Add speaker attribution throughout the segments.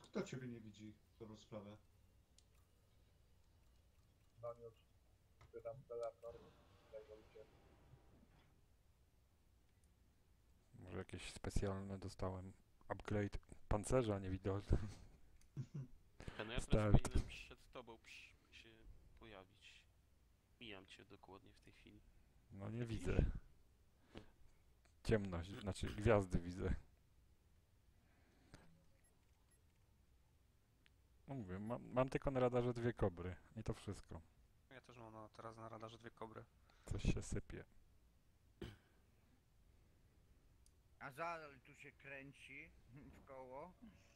Speaker 1: kto ciebie nie widzi? Dobrą sprawę.
Speaker 2: No już pytam telefon, jak wolicie.
Speaker 3: Może jakieś specjalne dostałem upgrade pancerza niewidoczny.
Speaker 4: No ja teraz
Speaker 3: Start.
Speaker 4: powinienem przed tobą się pojawić. Mijam cię dokładnie w tej chwili.
Speaker 3: No nie
Speaker 4: Widzisz?
Speaker 3: widzę. Ciemność, znaczy gwiazdy widzę. No mówię, mam tylko na radarze 2 kobry i to wszystko.
Speaker 5: Ja też mam teraz na radarze 2 kobry.
Speaker 3: Coś się sypie.
Speaker 6: A zadal tu się kręci w koło.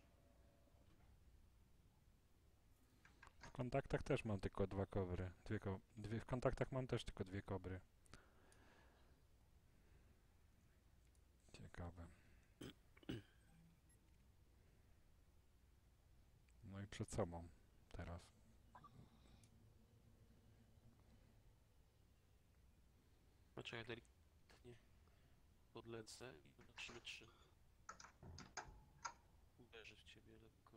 Speaker 3: W kontaktach też mam tylko 2 kobry. W kontaktach mam też tylko 2 kobry. Ciekawe. No i przed sobą teraz.
Speaker 4: Znaczy ja delikatnie podlecę i zobaczymy, czy uderzy w ciebie lekko.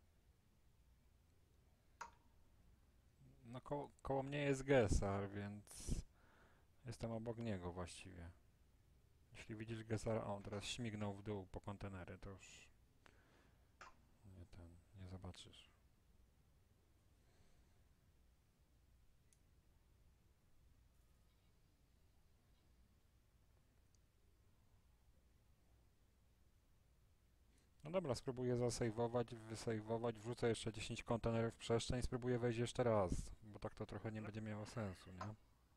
Speaker 3: No koło mnie jest Gesar, więc jestem obok niego właściwie. Jeśli widzisz Gesara, on teraz śmignął w dół po kontenery, to już nie zobaczysz. No dobra, spróbuję zasejwować, wysejwować, wrzucę jeszcze 10 kontenerów w przestrzeń i spróbuję wejść jeszcze raz, bo tak to trochę nie będzie miało sensu, nie?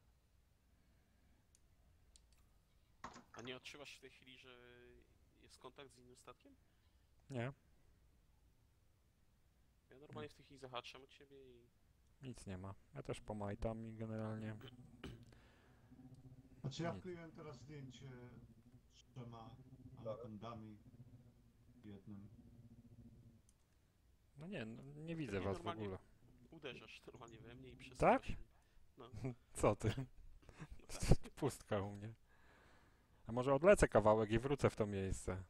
Speaker 4: A nie odczuwasz w tej chwili, że jest kontakt z innym statkiem?
Speaker 3: Nie,
Speaker 4: Ja normalnie w tej chwili zahaczam od ciebie i...
Speaker 3: nic nie ma. Ja też pomajtam i generalnie...
Speaker 1: Znaczy ja
Speaker 3: Nic.
Speaker 1: wkleiłem teraz zdjęcie z 3 anakondami jednym.
Speaker 3: No nie widzę
Speaker 4: Pewnie
Speaker 3: was w
Speaker 4: normalnie
Speaker 3: ogóle.
Speaker 4: Uderzasz normalnie we mnie i
Speaker 3: Tak?
Speaker 4: przesuwasz mnie. No,
Speaker 3: Co ty?
Speaker 4: no tak.
Speaker 3: Pustka u mnie. A może odlecę kawałek i wrócę w to miejsce?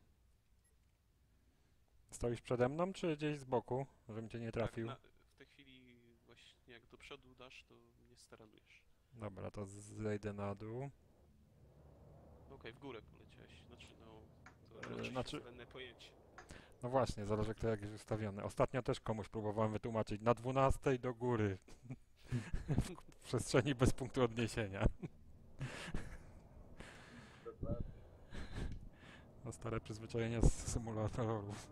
Speaker 3: Stoisz przede mną, czy gdzieś z boku, żebym cię nie trafił?
Speaker 4: Tak, w tej chwili właśnie jak do przodu dasz, to mnie staranujesz.
Speaker 3: Dobra, to zejdę na dół.
Speaker 4: Okej, w górę poleciałeś. Znaczy, no... To
Speaker 3: Znaczy-
Speaker 4: znaczy... względne pojęcie.
Speaker 3: No właśnie, zależy kto jak jest ustawiony. Ostatnio też komuś próbowałem wytłumaczyć. Na 12 do góry. W przestrzeni bez punktu odniesienia.
Speaker 2: Dokładnie.
Speaker 3: No stare przyzwyczajenia z symulatorów.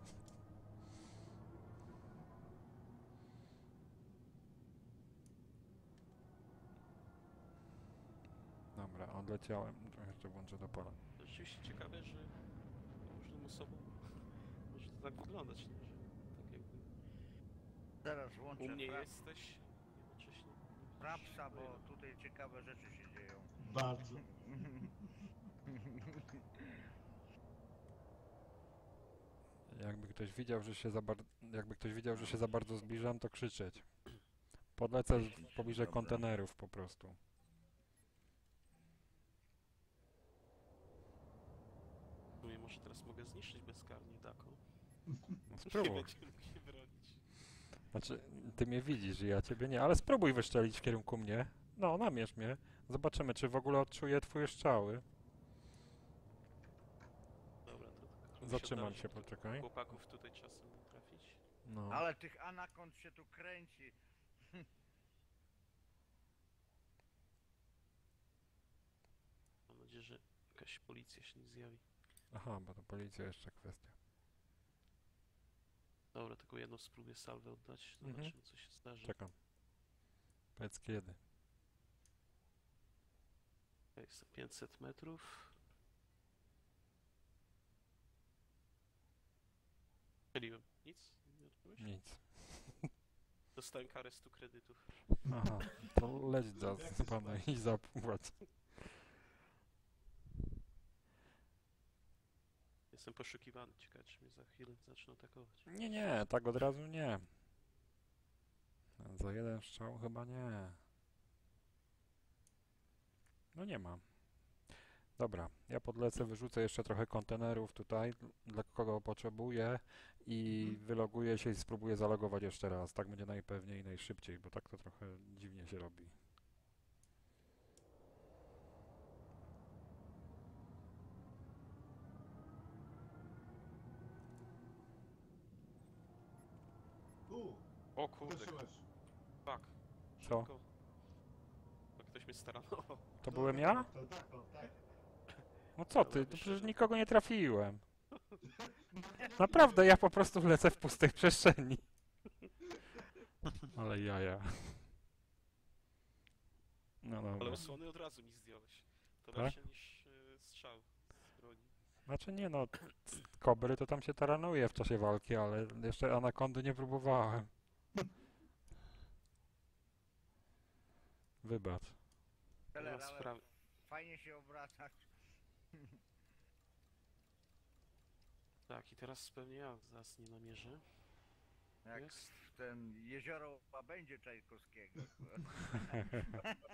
Speaker 3: Dobra, odleciałem. Trochę jeszcze włączę do pola.
Speaker 4: To rzeczywiście ciekawe, że różnym osobom może to tak wyglądać, nie? Że tak jakby
Speaker 6: Zaraz
Speaker 4: u
Speaker 6: włączę
Speaker 4: mnie jesteś, jednocześnie nie widzisz
Speaker 6: frapsa, bo
Speaker 4: mojego.
Speaker 6: tutaj ciekawe rzeczy się dzieją.
Speaker 1: Bardzo.
Speaker 3: Jakby ktoś widział, że się za bardzo zbliżam, to krzyczeć. Podlecę pobliżej
Speaker 6: Dobra.
Speaker 3: kontenerów po prostu.
Speaker 4: W sumie może teraz mogę zniszczyć bezkarnie Dako.
Speaker 3: No
Speaker 4: Nie
Speaker 3: spróbuj.
Speaker 4: będziemy mógł się bronić.
Speaker 3: Znaczy, ty mnie widzisz, ja ciebie nie, ale spróbuj wystrzelić w kierunku mnie. No, namierz mnie. Zobaczymy, czy w ogóle odczuję twoje strzały.
Speaker 4: Dobra, to trochę
Speaker 3: Zatrzymam
Speaker 4: się
Speaker 3: się,
Speaker 4: odnaleźć.
Speaker 3: poczekaj.
Speaker 4: Chłopaków tutaj czasem trafić.
Speaker 3: No.
Speaker 6: Ale tych anakond się tu kręci.
Speaker 4: Mam nadzieję, że jakaś policja się nie zjawi.
Speaker 3: Aha, bo to policja jeszcze kwestia.
Speaker 4: Dobra, tylko jedną spróbuję salwę oddać. Zobaczymy,
Speaker 3: Mhm.
Speaker 4: co się zdarzy.
Speaker 3: Czekam. Powiedz kiedy.
Speaker 4: Jest 500 metrów. Strzeliłem. Nic? Nie odbyłeś?
Speaker 3: Nic.
Speaker 4: Dostałem karę 100 kredytów.
Speaker 3: Aha, to leć za pana i zapłać.
Speaker 4: Jestem poszukiwany. Ciekawe, czy mnie za chwilę zaczną atakować.
Speaker 3: Nie, tak od razu nie. Za jeden strzał chyba nie. No nie ma. Dobra, ja podlecę, wyrzucę jeszcze trochę kontenerów tutaj, dla kogo potrzebuję i
Speaker 1: Mhm.
Speaker 3: wyloguję się i spróbuję zalogować jeszcze raz. Tak będzie najpewniej i najszybciej, bo tak to trochę dziwnie się robi.
Speaker 4: O kurde,
Speaker 1: uderzyłeś.
Speaker 4: fuck.
Speaker 3: Co?
Speaker 4: Szybko. To ktoś mnie staranował.
Speaker 3: To byłem ja?
Speaker 1: Tak.
Speaker 3: No co ty,
Speaker 4: Dobra,
Speaker 3: to przecież
Speaker 4: wyszedłem.
Speaker 3: nikogo nie trafiłem. Naprawdę, ja po prostu lecę w pustej przestrzeni. Ale jaja. No
Speaker 4: Ale
Speaker 3: dobra.
Speaker 4: osłony od razu mi zdjąłeś. To
Speaker 3: Tak?
Speaker 4: lepsze niż strzał z broni.
Speaker 3: Znaczy nie no, kobry to tam się taranuje w czasie walki, ale jeszcze anakondy nie próbowałem. Wybacz.
Speaker 4: Nie
Speaker 6: Teler,
Speaker 4: ma
Speaker 6: ale
Speaker 4: sprawy.
Speaker 6: fajnie się obracać.
Speaker 4: Tak, i teraz pewnie ja zaraz nie namierzę.
Speaker 6: Jak
Speaker 4: Jest.
Speaker 6: ten jezioro będzie Czajkowskiego.